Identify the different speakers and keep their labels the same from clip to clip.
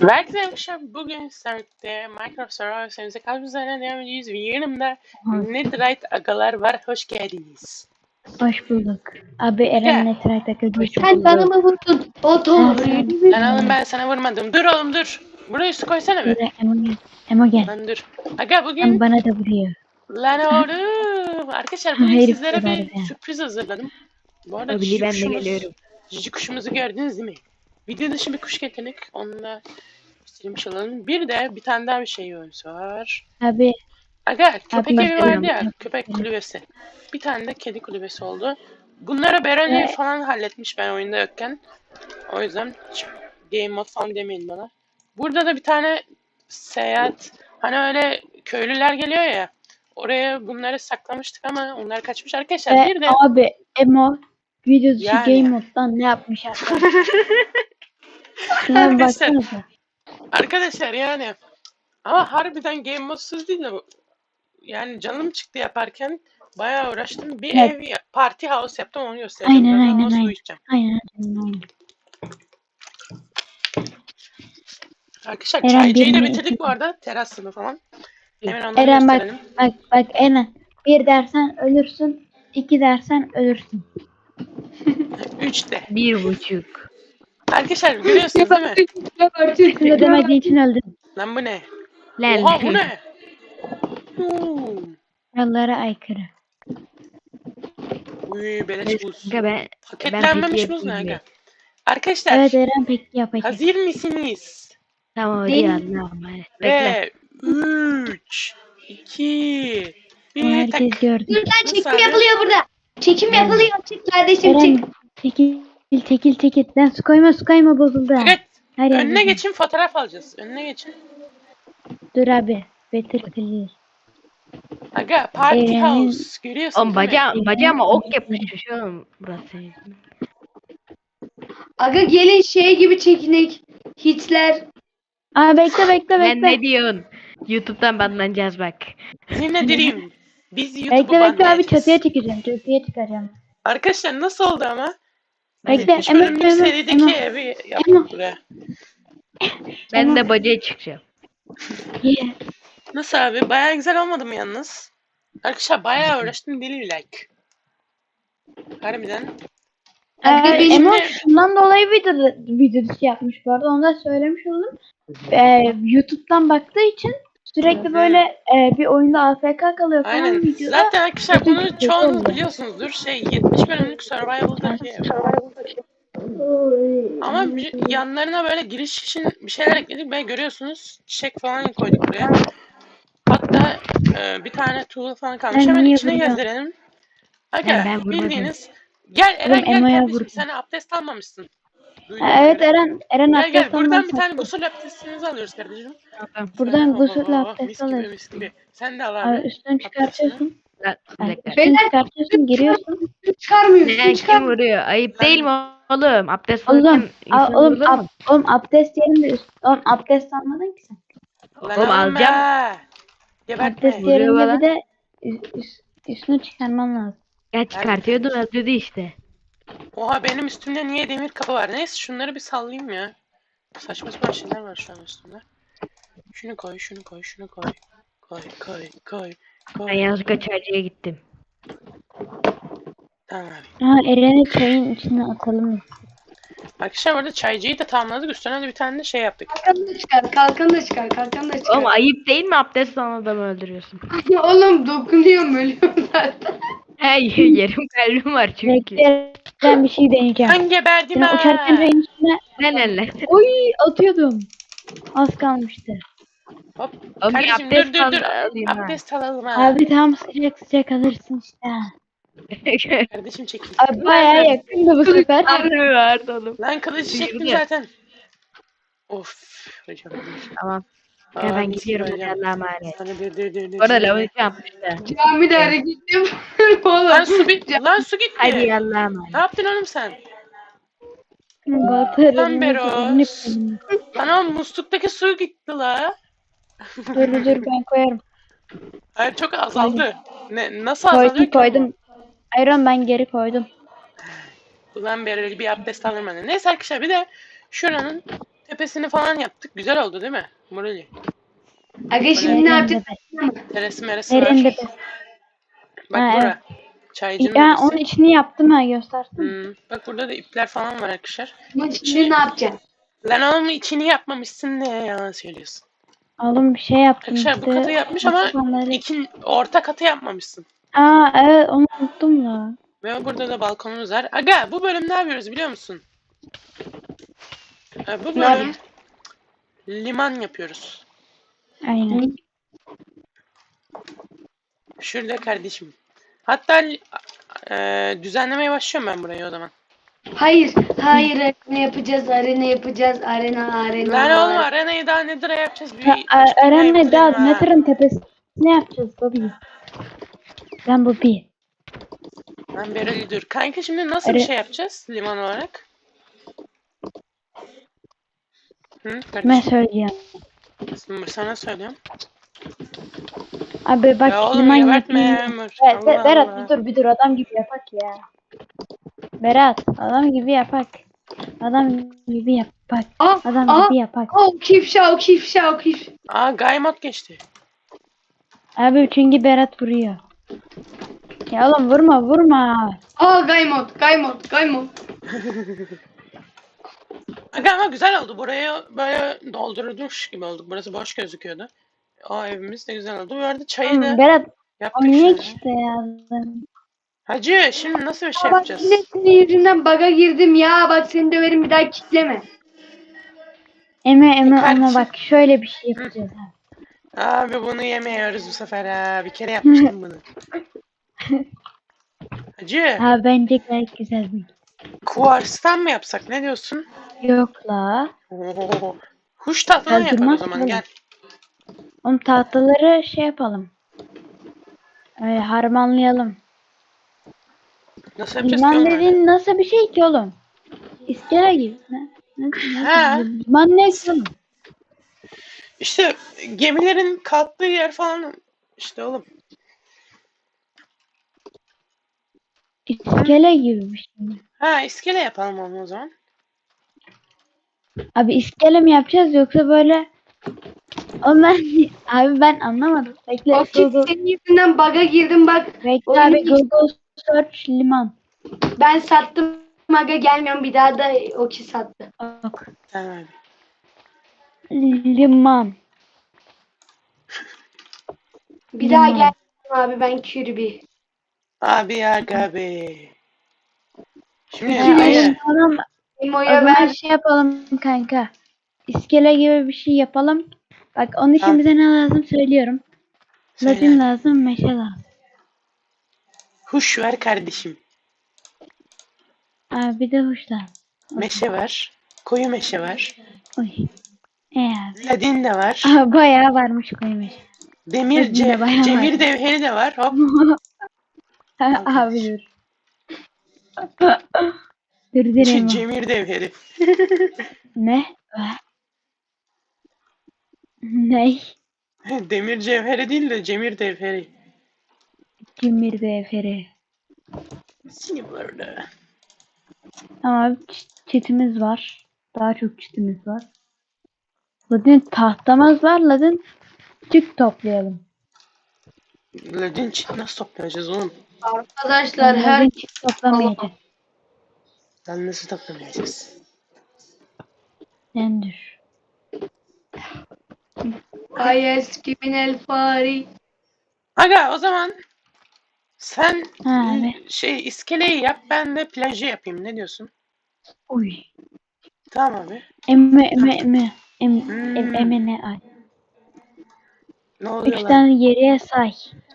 Speaker 1: Herkese arkadaşlar bugün sizlerle Minecraft Survival serimize kaldığımız üzerine devam ediyoruz ve yanımda Netherite agalar var. Hoş geldiniz.
Speaker 2: Hoş bulduk. Abi Eren Netherite akıllı.
Speaker 3: Sen bana mı vurdun? O doğru.
Speaker 1: Lan oğlum ben sana vurmadım. Dur oğlum dur. Buraya su koysana be.
Speaker 2: Emo gel. Emo gel.
Speaker 1: Lan dur. Aga
Speaker 2: Ama
Speaker 1: bugün...
Speaker 2: bana da vuruyor.
Speaker 1: Lan oğlum. Arkadaşlar bugün
Speaker 2: Herif
Speaker 1: sizlere
Speaker 2: kadar
Speaker 1: bir
Speaker 2: ya.
Speaker 1: sürpriz hazırladım. Bu arada
Speaker 4: Öbürü ben de geliyorum.
Speaker 1: cici kuşumuzu gördünüz değil mi? Video dışı bir kuş getirdik. Onu da göstermiş olalım. Bir de bir tane daha bir şey var.
Speaker 2: Abi
Speaker 1: Aga köpek
Speaker 2: Abi,
Speaker 1: evi vardı ya,
Speaker 2: yapıyorum.
Speaker 1: köpek kulübesi. Bir tane de kedi kulübesi oldu. Bunlara Berani falan halletmiş ben oyunda yokken. O yüzden hiç game mode falan demeyin bana. Burada da bir tane seyahat, hani öyle köylüler geliyor ya. Oraya bunları saklamıştık ama onlar kaçmış arkadaşlar. Bir de
Speaker 2: abi Emo video dışı
Speaker 1: Yani.
Speaker 2: game moddan ne yapmış arkadaşlar? Şuna bir
Speaker 1: Arkadaşlar.
Speaker 2: baksanıza.
Speaker 1: Arkadaşlar yani ama harbiden game modsuz değil de bu. Yani canım çıktı yaparken bayağı uğraştım. Bir
Speaker 2: Evet.
Speaker 1: ev party house yaptım, onu göstereceğim.
Speaker 2: Aynen,
Speaker 1: Birazdan
Speaker 2: aynen,
Speaker 1: nasıl
Speaker 2: aynen.
Speaker 1: uyuyacağım.
Speaker 2: Aynen.
Speaker 1: Arkadaşlar
Speaker 2: Eren
Speaker 1: çaycıyı da
Speaker 2: birini
Speaker 1: bitirdik bu arada. Terasını falan. Hemen onları
Speaker 2: Eren bak
Speaker 1: gösterelim.
Speaker 2: bak Eren. Bir dersen ölürsün. 2 dersen ölürsün.
Speaker 1: 3'te.
Speaker 4: 1,5.
Speaker 1: Arkadaşlar görüyorsunuz değil mi?
Speaker 2: Kız ödemediğin için öldün.
Speaker 1: Lan bu ne?
Speaker 4: Lan.
Speaker 1: Oha bu ne?
Speaker 2: Kurallara aykırı.
Speaker 1: Uy beleş buz.
Speaker 4: Kanka ben
Speaker 1: Paketlenmemiş
Speaker 4: peki
Speaker 1: buz ne
Speaker 4: yapayım
Speaker 1: aga? Arkadaşlar
Speaker 2: Evet Eren peki yapacak.
Speaker 1: hazır mısınız?
Speaker 4: tamam hadi
Speaker 2: Değil.
Speaker 4: ya. Bekle.
Speaker 1: Ve 3, 2,
Speaker 2: Ama
Speaker 1: 1
Speaker 2: herkes
Speaker 1: tak.
Speaker 2: gördü.
Speaker 3: Dur lan
Speaker 1: Nasıl
Speaker 3: çekim
Speaker 1: abi?
Speaker 3: yapılıyor burada. Çekim yapılıyor. Çık kardeşim
Speaker 2: Eren
Speaker 3: çık.
Speaker 2: çekil. Lan su koyma bozuldu.
Speaker 1: Evet.
Speaker 2: Her yer
Speaker 1: Önüne
Speaker 2: bozuldu.
Speaker 1: geçin, fotoğraf alacağız. Önüne geçin.
Speaker 2: Dur abi. Better clear.
Speaker 1: Aga party
Speaker 2: Eren'in-
Speaker 1: house görüyorsun
Speaker 4: Oğlum
Speaker 1: değil mi?
Speaker 4: bacağıma ok yapışmış oğlum burası.
Speaker 3: Aga gelin şey gibi çekinek. Hitler.
Speaker 2: Aa bekle.
Speaker 4: Lan ne diyorsun? YouTube'dan banlanacağız bak.
Speaker 1: Yine direyim. Biz YouTube'u
Speaker 2: Bekle abi
Speaker 1: banlayacağız.
Speaker 2: çatıya çıkacağım.
Speaker 1: Arkadaşlar nasıl oldu ama?
Speaker 2: Bekle,
Speaker 1: 3 bölümlük
Speaker 2: Emre,
Speaker 1: serideki
Speaker 2: Emre.
Speaker 1: evi yaptık buraya.
Speaker 4: Ben de bacaya çıkacağım.
Speaker 2: Yeah.
Speaker 1: Nasıl abi? Bayağı güzel olmadı mı yalnız? Arkadaşlar bayağı uğraştım, deli like. Harbiden.
Speaker 3: Aga benim
Speaker 2: Emo
Speaker 1: de-
Speaker 2: şundan dolayı video dışı yapmış bu arada. Onu da söylemiş oldum. YouTube'dan baktığı için sürekli böyle bir oyunda AFK kalıyor falan
Speaker 1: Aynen.
Speaker 2: videoda.
Speaker 1: Zaten arkadaşlar
Speaker 2: kötü
Speaker 1: bunu
Speaker 2: bir şey
Speaker 1: çoğunuz
Speaker 2: oldu.
Speaker 1: biliyorsunuzdur. 70 bölümlük Survival'daki ev. Ama yanlarına böyle giriş için bir şeyler ekledik ve görüyorsunuz çiçek falan koyduk buraya. Hatta bir tane tuğla falan kalmış.
Speaker 2: Ben
Speaker 1: Hemen
Speaker 2: niye
Speaker 1: içine
Speaker 2: burada-
Speaker 1: gezdirelim. Aga
Speaker 4: Ben vurmadım.
Speaker 1: bildiğiniz. Gel Eren
Speaker 2: Oğlum,
Speaker 1: gel
Speaker 2: Emo'ya
Speaker 1: kardeşim,
Speaker 2: vurdum.
Speaker 1: sen abdest almamışsın. Duydum
Speaker 2: Evet
Speaker 1: öyle.
Speaker 2: Eren
Speaker 1: Gel gel
Speaker 2: abdest
Speaker 1: buradan
Speaker 2: almaz
Speaker 1: bir tane
Speaker 2: sattı.
Speaker 1: gusül abdestinizi alıyoruz kardeşim.
Speaker 2: Buradan
Speaker 1: Oh,
Speaker 2: gusül
Speaker 1: oh, oh,
Speaker 2: abdest
Speaker 1: mis gibi,
Speaker 2: alıyorsun.
Speaker 1: mis gibi. Sen de al
Speaker 2: Abi
Speaker 1: abi.
Speaker 2: üstünü çıkartıyorsun.
Speaker 4: Lan, bir dakika.
Speaker 2: Üstünü çıkartıyorsun giriyorsun.
Speaker 3: çıkarmıyor.
Speaker 4: Ne kim
Speaker 3: Çıkarmıyor.
Speaker 4: vuruyor? Ayıp değil mi oğlum? Abdest
Speaker 2: Oğlum,
Speaker 4: alırken insan
Speaker 2: oğlum,
Speaker 4: vurulur mu?
Speaker 2: oğlum abdest yerinde oğlum abdest almadın ki sen.
Speaker 1: Lan
Speaker 4: Oğlum,
Speaker 1: alın
Speaker 4: alacağım.
Speaker 1: be. Gebertme.
Speaker 2: Abdest
Speaker 4: Vuruyor
Speaker 2: yerinde
Speaker 4: bana.
Speaker 2: bir de üstünü çıkarman lazım.
Speaker 4: Ya çıkartıyordun öldürdü işte.
Speaker 1: Oha benim üstümde niye demir kapı var? Neyse şunları bir sallayayım ya. Saçma sapan şeyler var şu an üstümde. Şunu koy, şunu koy, şunu koy. Koy.
Speaker 4: Ben yanlışlıkla çaycıya gittim.
Speaker 1: Tamam abi.
Speaker 2: Ha Eren'i çayın içine atalım.
Speaker 1: Arkadaşlar orada çaycıyı da tamamladık. Üstüne de bir tane de şey yaptık.
Speaker 3: Kalkanı da çıkar. Kalkanı da çıkar. Kalkanı da çıkar.
Speaker 4: Oğlum ayıp değil mi abdest alan adamı öldürüyorsun?
Speaker 3: Oğlum dokunuyorum ölüyorum zaten.
Speaker 4: Hey yarım kalbim var çünkü.
Speaker 2: Bekle ben bir şey deneyeceğim.
Speaker 1: Ben geberdim
Speaker 2: Sen uçarken
Speaker 1: ha.
Speaker 2: çayın içine
Speaker 4: Lan.
Speaker 2: oy atıyordum. Az kalmıştı.
Speaker 1: Hop.
Speaker 4: Oğlum bir
Speaker 1: Kardeşim
Speaker 4: abdest
Speaker 1: dur.
Speaker 4: alayım ha.
Speaker 1: Abdest alalım ha.
Speaker 2: Abi tam sıcak alırsın işte.
Speaker 1: Kardeşim çekil.
Speaker 2: Abi bayağı yakındı bu sefer.
Speaker 4: Tanrı verdi oğlum.
Speaker 1: Lan kılıcı çektim
Speaker 4: Duyurdu ya.
Speaker 1: zaten. Of. Hocam.
Speaker 4: Tamam.
Speaker 1: Aa,
Speaker 4: Ya ben
Speaker 1: mis
Speaker 4: gidiyorum
Speaker 1: gibi hocam.
Speaker 4: Allah'a emanet.
Speaker 1: Sana dur.
Speaker 4: Orada lavabo yapmışlar.
Speaker 3: Camide hareket yapıyorum oğlum.
Speaker 1: Lan su gitti.
Speaker 4: Hadi Allah'a emanet.
Speaker 1: Ne yaptın oğlum sen?
Speaker 2: Batırın.
Speaker 1: Lan Beros. Lan oğlum musluktaki su gitti la.
Speaker 2: Dur ben koyarım.
Speaker 1: Hayır çok azaldı. Nasıl azalıyor ki?
Speaker 2: Koydum. Ayran ben geri koydum.
Speaker 1: Ulan bir abdest alırım ben de. Neyse arkadaşlar bir de şuranın tepesini falan yaptık. Güzel oldu değil mi? Morali.
Speaker 3: Aga şimdi ne
Speaker 2: Eren
Speaker 3: yapacağız?
Speaker 2: Tepe.
Speaker 1: Teresi meresi
Speaker 2: Eren
Speaker 1: var.
Speaker 2: Tepe.
Speaker 1: Bak
Speaker 2: Ha,
Speaker 1: bura.
Speaker 2: evet.
Speaker 1: Çaycının
Speaker 2: Ya onun
Speaker 1: odası.
Speaker 2: içini yaptım ha, göstersin.
Speaker 1: Bak burada da ipler falan var arkadaşlar.
Speaker 3: Ama şimdi ne yapacağız?
Speaker 1: Lan oğlum içini yapmamışsın ne yalan söylüyorsun.
Speaker 2: Oğlum bir şey yaptım
Speaker 1: Arkadaşlar bu katı
Speaker 2: işte.
Speaker 1: yapmış ama
Speaker 2: Baksana.
Speaker 1: orta katı yapmamışsın.
Speaker 2: Aa evet, onu unuttum da.
Speaker 1: Ve burada da balkonumuz var. Aga bu bölüm ne yapıyoruz biliyor musun? Bu
Speaker 3: Ne
Speaker 1: bölüm
Speaker 3: yapıyoruz?
Speaker 1: liman yapıyoruz.
Speaker 2: Aynen.
Speaker 1: Şurada kardeşim. Hatta düzenlemeye başlıyorum ben burayı o zaman.
Speaker 3: Hayır, hayır arena yapacağız, arena yapacağız, arena.
Speaker 1: Lan oğlum arenayı daha nedir yapacağız? Bir
Speaker 2: Eren'le daha
Speaker 1: bitirelim ha.
Speaker 2: Nether'ın tepesine ne yapacağız Bobby? Ben Bobby.
Speaker 1: Lan Bereli dur. Kanka şimdi nasıl bir şey yapacağız liman olarak?
Speaker 2: Ben
Speaker 1: Kardeşim
Speaker 2: söyleyeceğim.
Speaker 1: sana söylüyorum.
Speaker 2: Abi bak
Speaker 1: Ya oğlum
Speaker 2: liman
Speaker 1: gebertme
Speaker 2: yapayım.
Speaker 1: ya Ömür.
Speaker 2: Evet,
Speaker 1: Allah
Speaker 2: Berat
Speaker 1: Allah.
Speaker 2: bir dur adam gibi yapak ya. Berat adam gibi yapak. Adam gibi yapak. Adam gibi yapak.
Speaker 3: Kif.
Speaker 1: Aa Gaymot geçti.
Speaker 2: Abi çünkü Berat vuruyor. Ya oğlum vurma.
Speaker 3: Gaymot.
Speaker 1: Aga ama güzel oldu. Burayı böyle doldurmuş gibi olduk. Burası boş gözüküyordu. O evimiz de güzel oldu. Bu arada çayı da
Speaker 2: Berat
Speaker 1: yaptık
Speaker 2: oynayak
Speaker 1: şöyle.
Speaker 2: işte ya.
Speaker 1: Hacı şimdi nasıl bir şey
Speaker 3: Bak
Speaker 1: yapacağız?
Speaker 3: yine senin yüzünden bug'a girdim ya. Bak seni döverim bir daha kitleme.
Speaker 2: Eme ama
Speaker 1: Kardeşim.
Speaker 2: bak şöyle bir şey yapacağız abi.
Speaker 1: Abi bunu yemiyoruz bu sefer ha. Bir kere yapmıştım bunu. Hacı
Speaker 2: Ha bence gayet güzel bir.
Speaker 1: kuvarstan mı yapsak ne diyorsun?
Speaker 2: Yok la.
Speaker 1: Oo. Huş tahtından
Speaker 2: Ya
Speaker 1: yapak o
Speaker 2: durmaz
Speaker 1: zaman
Speaker 2: oğlum.
Speaker 1: gel.
Speaker 2: Oğlum tahtaları şey yapalım. Harmanlayalım.
Speaker 1: Nasıl yapacağız ki
Speaker 2: Liman
Speaker 1: oğlum öyle?
Speaker 2: dediğin nasıl bir şey ki oğlum? İskele gibi.
Speaker 1: Ha.
Speaker 2: Liman ne ki oğlum?
Speaker 1: İşte gemilerin kalktığı yer falan işte oğlum.
Speaker 2: İskele gibi bir şey.
Speaker 1: Ha iskele yapalım onu o zaman.
Speaker 2: Abi iskele mi yapacağız yoksa böyle? Oğlum abi ben anlamadım. Bekle
Speaker 3: O kif
Speaker 2: Google.
Speaker 3: senin yüzünden bug'a girdim bak.
Speaker 2: Bekle
Speaker 3: oyunu
Speaker 2: abi
Speaker 3: hiç-
Speaker 2: Google search liman.
Speaker 3: Ben sattım aga gelmiyorum bir daha da o ki sattı.
Speaker 2: Bak.
Speaker 1: Tamam abi.
Speaker 2: Liman.
Speaker 3: Bir daha
Speaker 2: Liman.
Speaker 3: gelmiyorum abi ben Kirby.
Speaker 1: Abi abi. Şimdi
Speaker 3: İkili-
Speaker 1: ayı.
Speaker 2: Tamam. O
Speaker 3: Emo'ya
Speaker 2: zaman
Speaker 3: ver.
Speaker 2: şey yapalım kanka. İskele gibi bir şey yapalım. Bak onun için
Speaker 1: Tamam.
Speaker 2: bize ne lazım söylüyorum.
Speaker 1: Söyle
Speaker 2: Latin
Speaker 1: hadi.
Speaker 2: lazım, meşe lazım.
Speaker 1: Huş ver kardeşim.
Speaker 2: Abi bir de huş lazım.
Speaker 1: Meşe var. Koyu meşe var.
Speaker 2: Oy. Abi.
Speaker 1: Ladin de var.
Speaker 2: Aha, bayağı varmış koyu meşe.
Speaker 1: Demir
Speaker 2: Ladin de bayağı
Speaker 1: cemir
Speaker 2: var.
Speaker 1: devheri de var. Hop.
Speaker 2: Abi dur. Dur Emo.
Speaker 1: Cemir devheri.
Speaker 2: Ne? Ne?
Speaker 1: Demir cevheri değil de cemir devheri.
Speaker 2: Cimri deferi.
Speaker 1: Seni burada.
Speaker 2: Ama çitimiz var. Daha çok çitimiz var. Ladin tahtamız var. Ladin çık toplayalım.
Speaker 1: Ladin çit nasıl toplayacağız oğlum?
Speaker 3: Arkadaşlar her
Speaker 2: Ladin çık toplamayacağız.
Speaker 1: Lan nasıl toplamayacağız?
Speaker 2: Sen dur.
Speaker 3: ayes criminal fari.
Speaker 1: Aga o zaman sen
Speaker 2: Ha, evet.
Speaker 1: iskeleyi yap ben de plajı yapayım. Ne diyorsun?
Speaker 2: Uy.
Speaker 1: Tamam abi.
Speaker 2: Emme.
Speaker 1: Hmm.
Speaker 2: Emme ne ay.
Speaker 1: Ne oluyor
Speaker 2: 3
Speaker 1: lan?
Speaker 2: tane geriye say.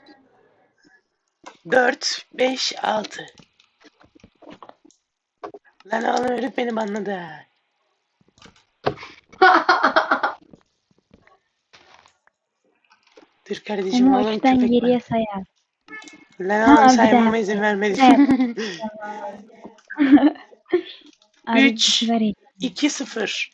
Speaker 1: 4, 5, 6. Lan oğlum herif beni banladı ha. Dur kardeşim
Speaker 2: Emme
Speaker 1: oğlum
Speaker 2: 3'ten
Speaker 1: köpek
Speaker 2: geriye
Speaker 1: var.
Speaker 2: sayar.
Speaker 1: Lan
Speaker 2: Ha,
Speaker 1: oğlum
Speaker 2: bir
Speaker 1: saymama
Speaker 2: daha.
Speaker 1: izin vermedi.
Speaker 2: Abi
Speaker 1: 3,
Speaker 2: sigara iç.
Speaker 1: 2, 0.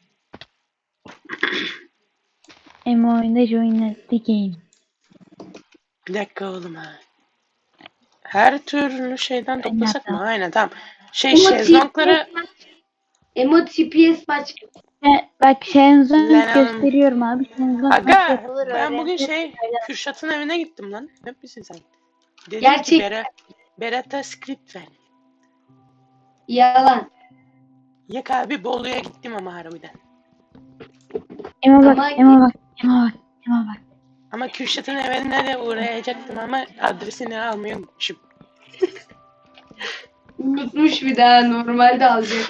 Speaker 2: Emme oyunda join the game.
Speaker 1: Bir dakika oğlum ha. Her türlü şeyden toplasak mı? Aynen tamam.
Speaker 3: Emo
Speaker 1: Şezlongları
Speaker 3: TPS maç.
Speaker 2: Bak Shenzhen
Speaker 1: Lan oğlum.
Speaker 2: gösteriyorum abi. Shenzhen nasıl
Speaker 1: Aga
Speaker 2: yapılır
Speaker 1: ben bugün
Speaker 2: öğrenci.
Speaker 1: Kürşat'ın evine gittim lan. Ne misin sen? Dedim ki
Speaker 3: Gerçek.
Speaker 1: Berat'a script ver.
Speaker 3: Yalan.
Speaker 1: Yak abi Bolu'ya gittim ama harbiden.
Speaker 2: Ema bak,
Speaker 3: Ama-
Speaker 2: Ema bak, Ema bak, Ema bak.
Speaker 1: Ama Kürşat'ın evine de uğrayacaktım ama adresini almayı unutmuşum.
Speaker 3: Unutmuş bir daha normalde alacak.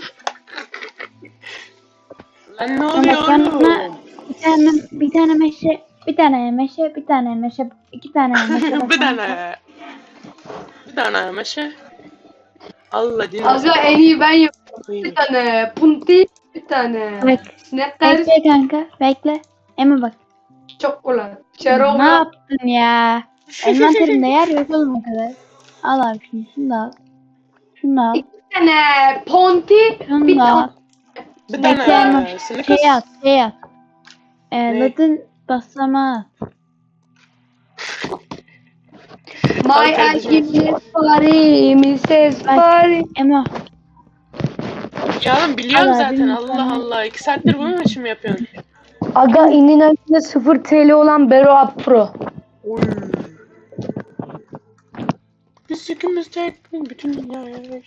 Speaker 1: Lan ne
Speaker 2: Ama
Speaker 1: oluyor
Speaker 2: bana
Speaker 1: oğlum?
Speaker 2: bir tane meşe, bir tane meşe, bir tane meşe, iki tane meşe.
Speaker 1: Bir tane. Bir tane meşe. Allah dinle.
Speaker 3: Aga en iyi ben yapıyorum. Bir tane punti, bir tane
Speaker 2: Bak,
Speaker 3: Snickers,
Speaker 2: bekle kanka, bekle. Ema bak.
Speaker 3: çokolade,
Speaker 2: Ne
Speaker 3: çerona,
Speaker 2: yaptın ya? Envanterimde yer yok oğlum o kadar. Al abi şunu da al. Şunu da al.
Speaker 3: iki tane ponti,
Speaker 2: Şunu
Speaker 3: bir
Speaker 2: da al.
Speaker 3: tane
Speaker 1: Bir
Speaker 2: Bekle
Speaker 1: tane
Speaker 2: Ema.
Speaker 1: Snickers.
Speaker 2: Şey at.
Speaker 1: Ne?
Speaker 2: Latin basamağı at.
Speaker 3: My
Speaker 1: Ay kardeşim.
Speaker 3: Miss Paris, Mrs. Paris.
Speaker 2: Ema.
Speaker 1: Ya oğlum biliyorum
Speaker 2: Allah
Speaker 1: zaten
Speaker 2: bilmiyorum.
Speaker 1: Allah Allah. 2 saattir bunu mu için mi yapıyorsun?
Speaker 3: Aga inin önünde 0 TL olan Bero Pro.
Speaker 1: Oy. Biz ikimiz tek bütün dünyaya.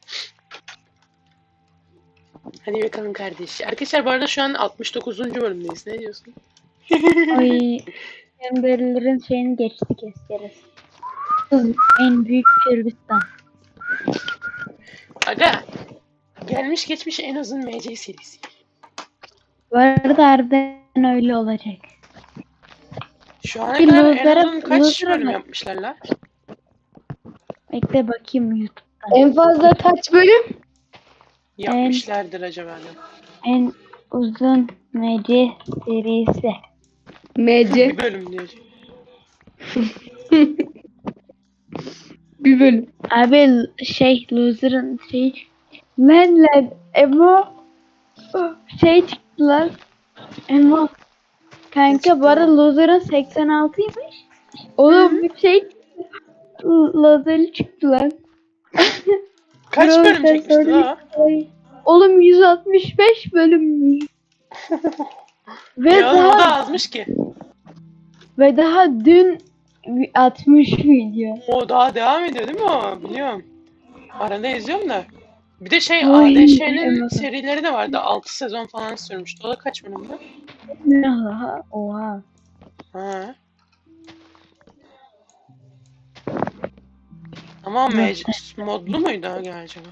Speaker 1: Hadi bakalım kardeş. Arkadaşlar bu arada şu an 69. bölümdeyiz. Ne diyorsun?
Speaker 2: Ay. Emberlerin şeyini geçti keseriz. En büyük Kürbistan.
Speaker 1: Aga. Gelmiş geçmiş en uzun MC serisi.
Speaker 2: Bu arada harbiden öyle olacak.
Speaker 1: Şu ana
Speaker 2: Bir
Speaker 1: kadar en
Speaker 2: loser'a-
Speaker 1: uzun kaç
Speaker 2: loser'a
Speaker 1: bölüm
Speaker 2: bak.
Speaker 1: yapmışlar la?
Speaker 2: Bekle bakayım YouTube.
Speaker 3: En fazla kaç bölüm?
Speaker 1: Yapmışlardır acaba da.
Speaker 2: En uzun MC serisi.
Speaker 3: MC.
Speaker 1: Bir bölüm diyor.
Speaker 3: Bir bölüm.
Speaker 2: Abi loser'ın lan Emo şey çıktı lan. Emo kanka bu arada loser'ın 86'ymış. Oğlum bir loser'ı çıktı lan.
Speaker 1: Kaç
Speaker 2: Bro,
Speaker 1: bölüm
Speaker 2: sen
Speaker 1: çekmişti la?
Speaker 2: Ay, oğlum 165 bölümmüş. Ve
Speaker 1: Ya oğlum o
Speaker 2: daha
Speaker 1: da azmış ki.
Speaker 2: dün 60 video.
Speaker 1: O daha devam ediyor değil mi o? Biliyorum. Arada izliyorum da. Bir de
Speaker 2: Oy,
Speaker 1: ADŞ'nin
Speaker 2: evet.
Speaker 1: serileri de vardı. 6 sezon falan sürmüştü. O da kaç bölümdü?
Speaker 2: Oha. Oha.
Speaker 1: Ha. Ama modlu muydu o acaba?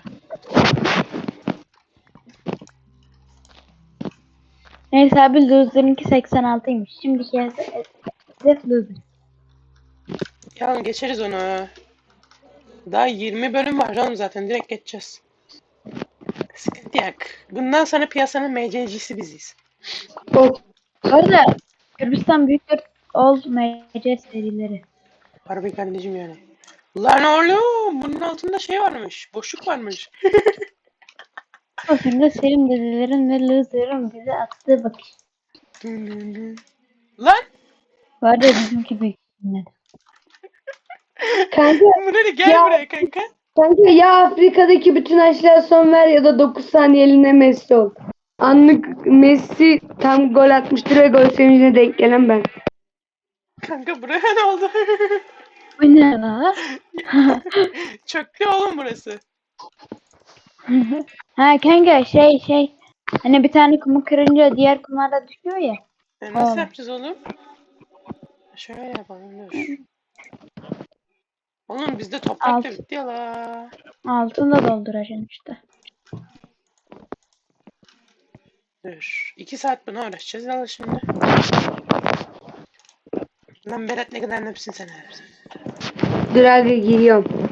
Speaker 2: Neyse abi loser'ınki 86'ymış. Şimdiki hedef loser.
Speaker 1: Ya geçeriz onu. Daha 20 bölüm var oğlum zaten. Direkt geçeceğiz. Sıkıntı yok. Bundan sonra piyasanın MC'cisi biziz.
Speaker 3: Oh.
Speaker 2: Bu arada Kürbistan büyüktür old MC serileri.
Speaker 1: Harbi kardeşim yani. Lan oğlum bunun altında şey varmış. Boşluk varmış.
Speaker 2: Bakın da Selim dedelerin ve loser'ın bize attığı bakış.
Speaker 1: Lan
Speaker 2: Bu arada bizimki büyük.
Speaker 3: Kanka,
Speaker 1: Murali gel
Speaker 3: Ya.
Speaker 1: buraya kanka.
Speaker 3: kanka ya Afrika'daki bütün aşılara son ver ya da 9 saniyeliğine Messi ol. Anlık Messi tam gol atmıştır ve gol sevincine denk gelen ben.
Speaker 1: Kanka buraya ne oldu?
Speaker 2: Bu ne la?
Speaker 1: Çöktü oğlum burası.
Speaker 2: Ha kanka hani bir tane kumu kırınca diğer kumlar da düşüyor ya.
Speaker 1: Nasıl
Speaker 2: Oğlum.
Speaker 1: yapacağız oğlum? Şöyle yapalım dur. Oğlum bizde toprak da
Speaker 2: Alt.
Speaker 1: bitti ya la.
Speaker 2: Altını da dolduracaksın işte.
Speaker 1: Dur. 2 saat buna uğraşacağız ya şimdi. Lan Berat ne kadar nepsin sen abi.
Speaker 3: Dur abi giriyorum.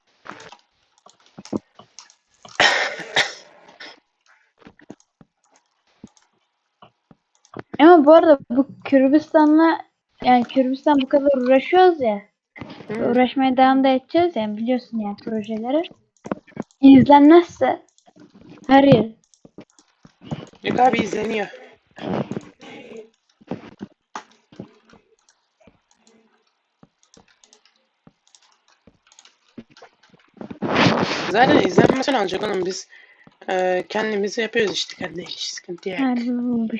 Speaker 2: Ama bu arada bu Kürbistan bu kadar uğraşıyoruz ya.
Speaker 1: Hı.
Speaker 2: Uğraşmaya devam da edeceğiz ya biliyorsun yani projeleri. İzlenmezse her yıl.
Speaker 1: Yok abi izleniyor. Zaten izlenmesini alacak oğlum biz. Kendimizi yapıyoruz işte kardeş. Sıkıntı yok.
Speaker 2: Harbi bulmuş.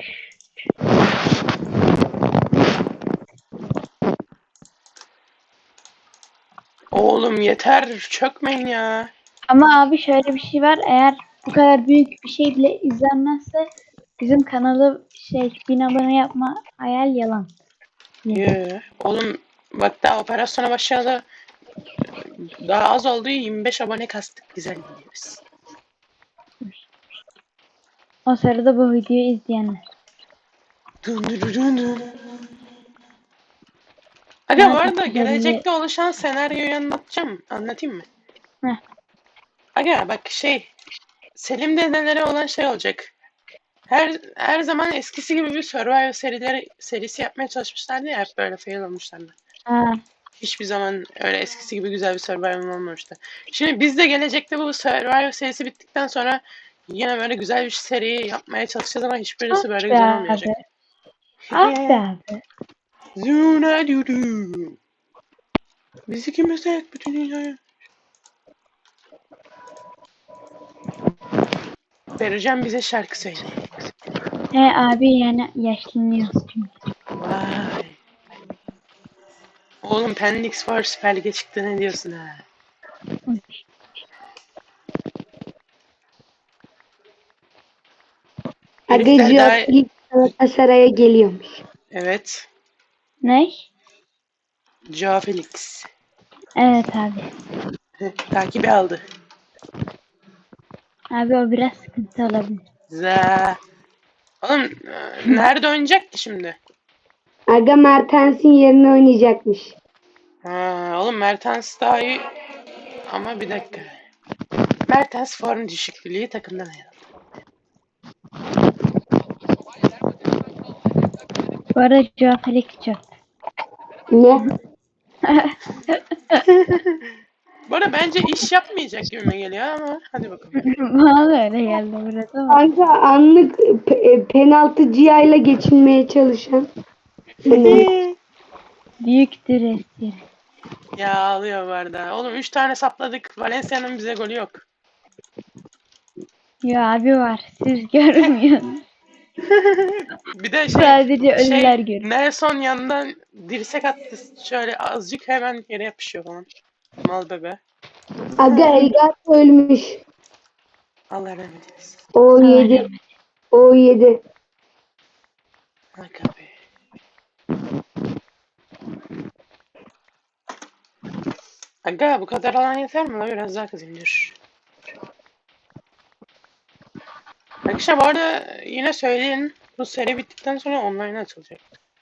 Speaker 1: Oğlum yeter. Çökmeyin ya.
Speaker 2: Ama abi şöyle bir şey var. Eğer bu kadar büyük bir şey bile izlenmezse bizim kanalı 1000 abone yapma hayal yalan.
Speaker 1: Oğlum bak daha operasyona başlayalı daha az oldu. 25 abone kastık. Güzel gidiyoruz.
Speaker 2: O sırada bu videoyu izleyenler.
Speaker 1: Dun dun dun dun. Aga bu arada
Speaker 2: Belli.
Speaker 1: gelecekte oluşan senaryoyu anlatayım mı?
Speaker 2: Heh.
Speaker 1: Aga bak Selim dedelere olan şey olacak. Her zaman eskisi gibi bir Survivor serisi yapmaya çalışmışlardı ya, hep böyle fail olmuşlardı.
Speaker 2: Ha,
Speaker 1: Hiçbir zaman öyle eskisi gibi güzel bir Survivor olmamıştı. Şimdi biz de gelecekte bu Survivor serisi bittikten sonra yine böyle güzel bir seri yapmaya çalışacağız ama hiçbirisi böyle
Speaker 2: be
Speaker 1: güzel olmayacak.
Speaker 2: abi. Ah be abi.
Speaker 1: Zuna dudu. Bizi kim mesela bütün dünyaya? Vereceğim bize şarkı söyle.
Speaker 2: He abi yani yaşlanıyoruz çünkü.
Speaker 1: Vay. Oğlum Pendix var, Süper Lig'e çıktı, ne diyorsun ha? Herifler
Speaker 3: Agacı
Speaker 1: daha...
Speaker 3: ilk Galatasaray'a geliyormuş.
Speaker 1: Evet.
Speaker 2: Ne?
Speaker 1: Joao Felix.
Speaker 2: Evet abi.
Speaker 1: Takibi aldı.
Speaker 2: Abi o biraz sıkıntı olabilir.
Speaker 1: Za. Oğlum nerede oynayacak ki şimdi?
Speaker 3: Aga Mertens'in yerine oynayacakmış.
Speaker 1: Ha, oğlum Mertens daha iyi. Ama bir dakika. Mertens form düşüklüğü takımdan ayrıldı.
Speaker 2: Bu arada Joao Felix çok.
Speaker 3: Ne?
Speaker 1: Bu arada bence iş yapmayacak gibime geliyor ama hadi bakalım.
Speaker 2: Bana da öyle geldi biraz ama.
Speaker 3: Kanka anlık penaltı cihayla geçinmeye çalışan.
Speaker 2: Büyüktür espri.
Speaker 1: Ya ağlıyor bu arada. Oğlum 3 tane sapladık. Valencia'nın bize golü yok.
Speaker 2: Ya abi var. Siz görmüyorsunuz.
Speaker 1: Bir de
Speaker 2: Sadece ölüler görüyor.
Speaker 1: Nelson yandan dirsek attı. Şöyle azıcık hemen yere yapışıyor falan. Mal bebe.
Speaker 3: Aga Elgato ölmüş.
Speaker 1: Allah rahmet eylesin.
Speaker 3: O
Speaker 2: Allah
Speaker 3: 7.
Speaker 2: rahmet.
Speaker 3: O 7.
Speaker 1: Aga be. Aga bu kadar alan yeter mi la? Biraz daha kızayım dur. Arkadaşlar bu arada yine söyleyin. Bu seri bittikten sonra online açılacak.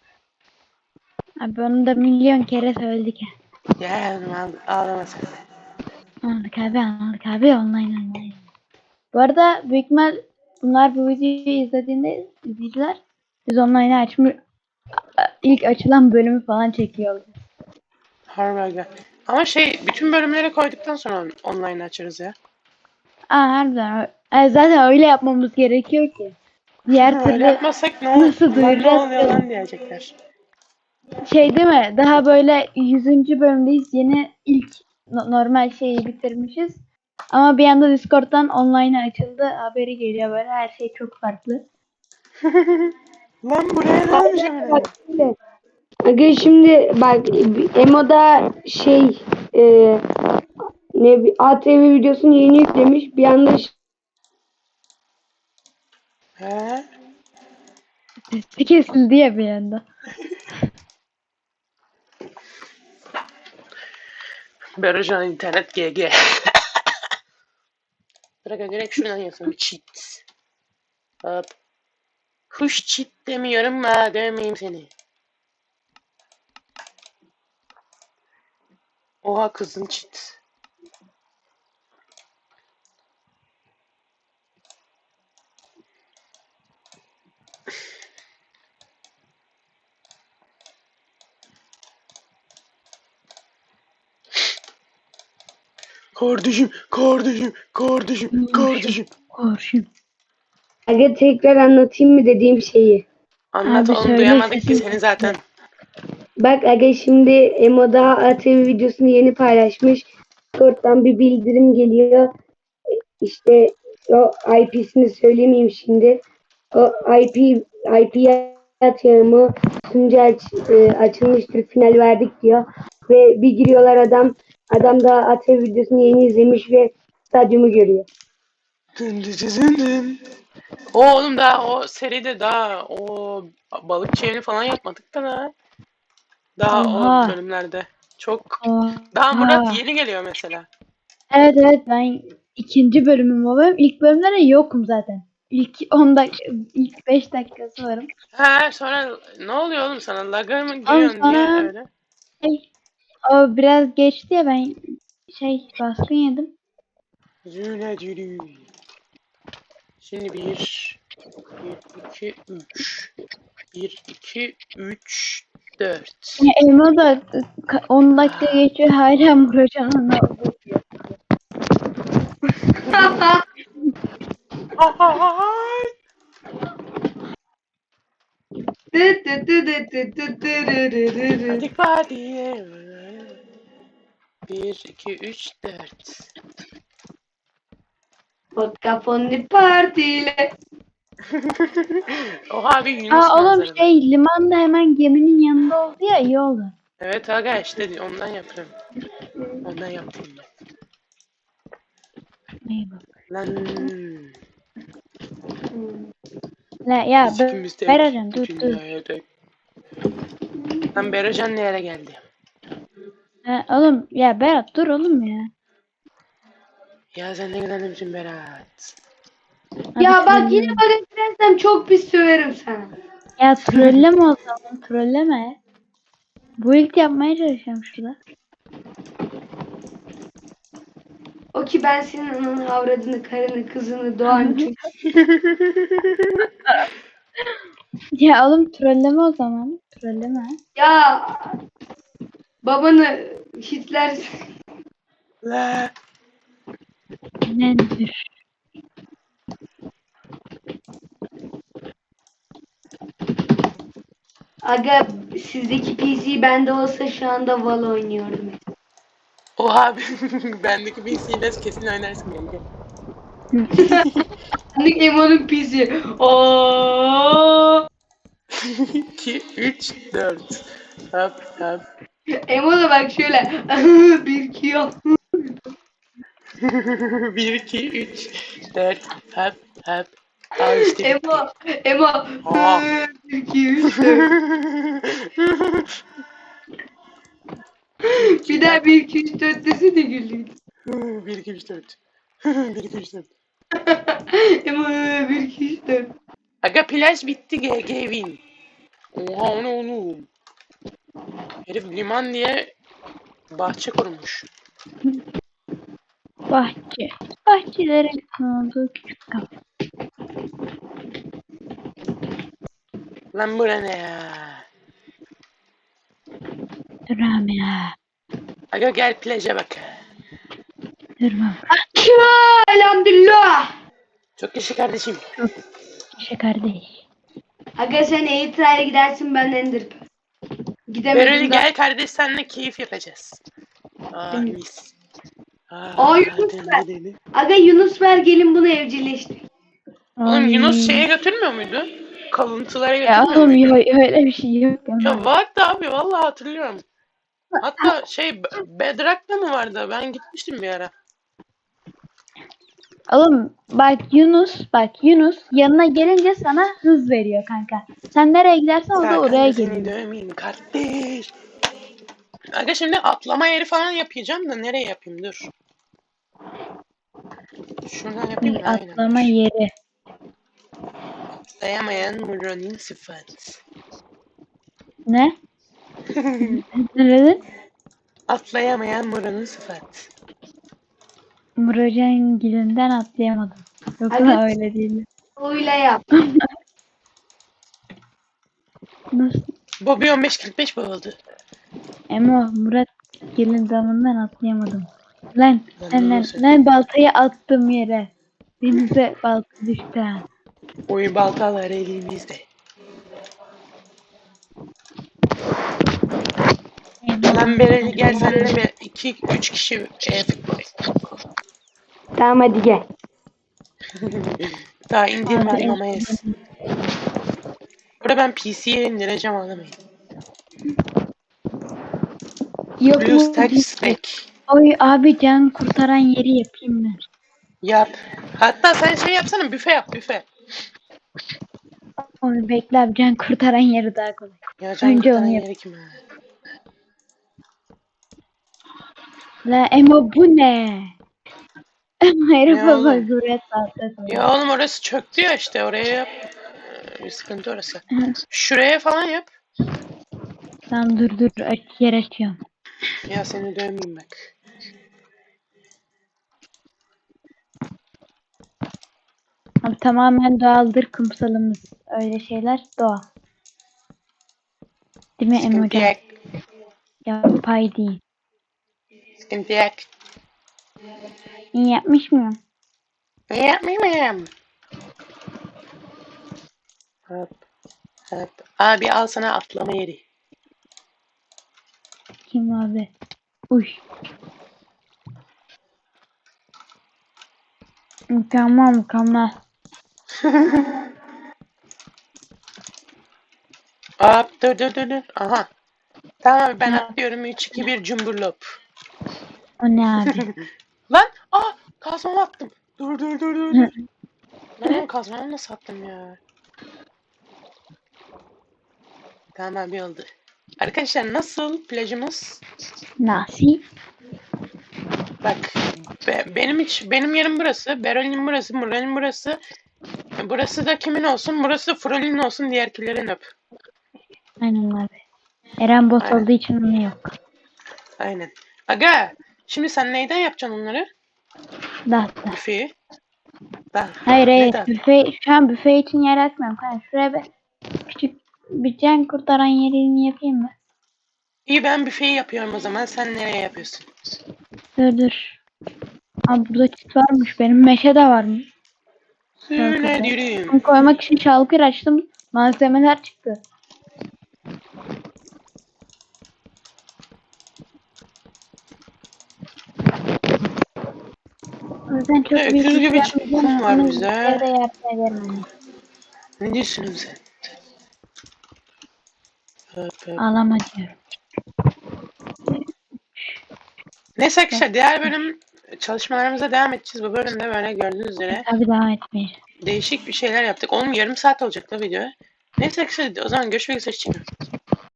Speaker 2: Abi onu da milyon kere söyledik.
Speaker 1: Ya ağlama sen de.
Speaker 2: Anladık abi online. Bu arada büyük ihtimal bunlar bu videoyu izlediğinde izleyiciler biz online'ı açmış ilk açılan bölümü falan çekiyoruz.
Speaker 1: Harbi aga. Ama bütün bölümleri koyduktan sonra online açarız ya.
Speaker 2: Harbiden. Zaten öyle yapmamız gerekiyor ki. Diğer
Speaker 1: Öyle
Speaker 2: türlü
Speaker 1: yapmasak
Speaker 2: nasıl
Speaker 1: ne
Speaker 2: duyuracağız
Speaker 1: oluyor
Speaker 2: ki?
Speaker 1: lan diyecekler.
Speaker 2: Şey değil mi? Daha böyle 100. bölümdeyiz. Yeni ilk normal şeyi bitirmişiz. Ama bir anda Discord'dan online açıldı. Haberi geliyor böyle. Her şey çok farklı.
Speaker 1: Lan buraya ne olmuş hemen?
Speaker 3: Bak şimdi. Aga şimdi bak Emo'da ATV videosunu yeni yüklemiş. Bir anda
Speaker 1: He?
Speaker 2: Sesi kesildi ya bir anda.
Speaker 1: Berocan internet GG. Bırak direkt şuradan yazalım. Cheat. Hop. Kuş cheat demiyorum ha. Demeyeyim seni. Oha kızın cheat. Kardeşim.
Speaker 2: Korşun.
Speaker 3: Aga tekrar anlatayım mı dediğim şeyi.
Speaker 1: Anlat
Speaker 2: Abi
Speaker 1: oğlum,
Speaker 2: söyle,
Speaker 1: duyamadık ki
Speaker 2: sesin
Speaker 1: seni zaten.
Speaker 3: Bak aga şimdi Emo'da ATV videosunu yeni paylaşmış. Discord'dan bir bildirim geliyor. İşte O IP'sini söylemeyeyim şimdi. O IP atağımı açılmıştır, final verdik diyor. Ve bir giriyorlar, adam da atı videosunu yeni izlemiş ve stadyumu görüyor.
Speaker 1: Dın dın dın dın. Oğlum daha o seride daha o balıkçı evini falan yapmadık da daha o
Speaker 2: Oha.
Speaker 1: bölümlerde. Çok
Speaker 2: Oha.
Speaker 1: daha Murat yeni geliyor mesela.
Speaker 2: Evet ben ikinci bölümüm olayım. İlk bölümlerde yokum zaten. İlk 10 dakika, ilk 5 dakikası varım.
Speaker 1: He sonra ne oluyor oğlum sana? Lag'a mı
Speaker 2: Oğlum
Speaker 1: giriyorsun niye
Speaker 2: sonra
Speaker 1: öyle?
Speaker 2: o biraz geçti ya ben baskın yedim.
Speaker 1: Züle zülü. Şimdi 1, 2, 3, 4.
Speaker 2: Elma da 10 dakika geçiyor hala Muratcan'ın ne olduğu diyor.
Speaker 1: Hadi partiye. 1, 2, 3, 4.
Speaker 3: Vodka partiyle.
Speaker 1: Oha bir Yunus
Speaker 2: Oğlum
Speaker 1: manzarada.
Speaker 2: liman da hemen geminin yanında oldu ya iyi oldu.
Speaker 1: Evet aga işte ondan yapıyorum. Ondan yaptım ben.
Speaker 2: İyi bak.
Speaker 1: Lan.
Speaker 2: La ya
Speaker 1: İkimiz de
Speaker 2: Beracan dur.
Speaker 1: tek. Lan Berocan ne yere geldi?
Speaker 2: Oğlum ya Berat dur oğlum ya.
Speaker 1: Ya sen ne kadar demişsin Berat?
Speaker 2: Hadi
Speaker 3: Ya bak yine
Speaker 2: trolleme.
Speaker 3: bana gidersem çok pis söverim sana.
Speaker 2: Ya trolleme o zaman trolleme. Bu ilk yapmaya çalışıyorum şurada.
Speaker 3: O ki ben senin ananı, avradını, karını, kızını, doğan çocuk.
Speaker 2: Ya oğlum trolleme o zaman. Trolleme.
Speaker 3: Ya babanı Hitler.
Speaker 1: La.
Speaker 2: Nedir?
Speaker 3: Aga sizdeki PC bende olsa şu anda Valo oynuyordum.
Speaker 1: Oha bendeki PC'yle kesin oynarsın kanka.
Speaker 3: Anlık Emo'nun PC. Oo.
Speaker 1: 2, 3, 4. Hop hop.
Speaker 3: Emo da bak şöyle. Bir iki yok.
Speaker 1: 1, 2, 3, 4. Hop hop. Al işte bitti.
Speaker 3: Emo.
Speaker 1: Aa.
Speaker 3: Bir iki üç dört. Bir daha bir iki üç dört desene güldüm.
Speaker 1: 1, 2, 3, 4. 1, 2, 3, 4.
Speaker 3: Emo bir iki üç dört.
Speaker 1: Aga plaj bitti GG win. Oha o ne oğlum. Herif liman diye bahçe kurmuş.
Speaker 2: Bahçe. Bahçelerin olduğu küçük kapı.
Speaker 1: Lan bura ne ya?
Speaker 2: Durmam ya.
Speaker 1: Aga gel plaja bak.
Speaker 2: Durmam.
Speaker 3: Elhamdülillah.
Speaker 1: Çok yaşa kardeşim.
Speaker 2: Kardeş.
Speaker 3: Aga sen Eğitra'ya gidersin, ben Ender. Gidemedim
Speaker 1: Bereli
Speaker 3: daha.
Speaker 1: gel kardeş seninle keyif yapacağız. Aa
Speaker 3: Hı.
Speaker 1: mis.
Speaker 3: Aa, Yunus ver. Aga Yunus ver, gelin bunu evcilleştir.
Speaker 1: Oğlum
Speaker 2: Ay.
Speaker 1: Yunus şeye götürmüyor muydu? Kalıntılara
Speaker 2: Ya
Speaker 1: götürmüyor
Speaker 2: oğlum
Speaker 1: muydu?
Speaker 2: öyle bir şey yok.
Speaker 1: Ya vardı abi vallahi hatırlıyorum. Hatta Bedrock'ta mı vardı? Ben gitmiştim bir ara.
Speaker 2: Oğlum bak Yunus yanına gelince sana hız veriyor kanka. Sen nereye gidersen o da oraya
Speaker 1: Serkan da seni
Speaker 2: geliyor.
Speaker 1: dövmeyeyim kardeş. Aga şimdi atlama yeri falan yapacağım da nereye yapayım dur. Şuradan yapayım mı? Aynen.
Speaker 2: Atlama yeri.
Speaker 1: Atlayamayan Muron'in sıfat.
Speaker 2: Ne? Ne dedin?
Speaker 1: Atlayamayan Muron'un sıfat.
Speaker 2: Murocan gilinden atlayamadım. Yoksa
Speaker 3: Hadi.
Speaker 2: öyle değil.
Speaker 3: Oyla yap.
Speaker 2: Nasıl?
Speaker 1: Bobby 15.45 bu oldu.
Speaker 2: Murat gelin damından atlayamadım. Lan
Speaker 1: Lan nasıl?
Speaker 2: lan baltayı attım yere. Denize balta düştü ha.
Speaker 1: Oyun baltaları elimizde. Lan Bereli gel senle 2-3 kişi futbol.
Speaker 3: Tamam hadi gel.
Speaker 1: Daha indirmedim
Speaker 2: Hala
Speaker 1: ama yes. Burada ben PC'ye indireceğim anlamayın. BlueStack Stack.
Speaker 2: Oy abi can kurtaran yeri yapayım mı?
Speaker 1: Yap. Hatta sen şey yapsana, büfe yap, büfe.
Speaker 2: Onu bekle abi, can kurtaran yeri daha kolay.
Speaker 1: Ya can
Speaker 2: Önce
Speaker 1: kurtaran
Speaker 2: onu yap.
Speaker 1: yeri kim ha?
Speaker 2: La Emo bu ne? Hayır
Speaker 1: Ne
Speaker 2: baba
Speaker 1: oğlum?
Speaker 2: buraya saatte
Speaker 1: Ya oğlum orası çöktü ya işte, oraya yap. Bir sıkıntı orası. Şuraya falan yap.
Speaker 2: Tamam dur yer açıyorum.
Speaker 1: Ya seni dövmeyeyim bak.
Speaker 2: Abi tamamen doğaldır kumsalımız. Öyle şeyler doğal. Değil mi Emo
Speaker 1: Sıkıntı
Speaker 2: can?
Speaker 1: yok.
Speaker 2: Yapay değil.
Speaker 1: Sıkıntı yok.
Speaker 2: İyi yapmış mıyım?
Speaker 1: Ne yapmayayım? Hop. Hop. Abi al sana atlama yeri.
Speaker 2: Kim abi? Uy. Mükemmel.
Speaker 1: Hop dur. Aha. Tamam ben
Speaker 2: Ha,
Speaker 1: atlıyorum. 3-2-1 cumburlop.
Speaker 2: o ne abi?
Speaker 1: Lan! Kazmamı attım. Dur. Ben onu kazmamı nasıl attım ya? Tamam abi oldu. Arkadaşlar nasıl plajımız?
Speaker 2: Nasi?
Speaker 1: Bak benim yerim burası. Berol'in burası. Mural'in burası. Burası da kimin olsun? Burası da Frol'in olsun. Diğerkilerin öp.
Speaker 2: Aynen abi. Eren bot
Speaker 1: Aynen.
Speaker 2: olduğu için onu yok.
Speaker 1: Aynen. Aga! Şimdi sen neyden yapacaksın onları?
Speaker 2: Dağıttı.
Speaker 1: Büfeyi. Da.
Speaker 2: Hayır
Speaker 1: Neden?
Speaker 2: şu an büfe için yer açmıyorum. Kanka şuraya bir küçük bir can kurtaran yerini yapayım mı?
Speaker 1: İyi ben büfeyi yapıyorum o zaman. Sen nereye yapıyorsun?
Speaker 2: Dur. Abi burada çit varmış. Benim meşe de varmış.
Speaker 1: Söyle dürüm.
Speaker 2: Bunu koymak için şalkır açtım. Malzemeler çıktı. O yüzden çok büyük
Speaker 1: Öküz
Speaker 2: bir şey
Speaker 1: gibi
Speaker 2: yapmayacağım.
Speaker 1: kum var
Speaker 2: Onu
Speaker 1: bize.
Speaker 2: evde yapmaya vermem.
Speaker 1: Ne diyorsun oğlum sen? Hop.
Speaker 2: Ağlama diyorum.
Speaker 1: Neyse arkadaşlar diğer bölüm çalışmalarımıza devam edeceğiz. Bu bölümde böyle gördüğünüz üzere
Speaker 2: Tabii devam etmeyeceğim.
Speaker 1: değişik bir şeyler yaptık. Oğlum yarım saat olacak da video. Neyse arkadaşlar o zaman görüşmek üzere. Hoşçakalın.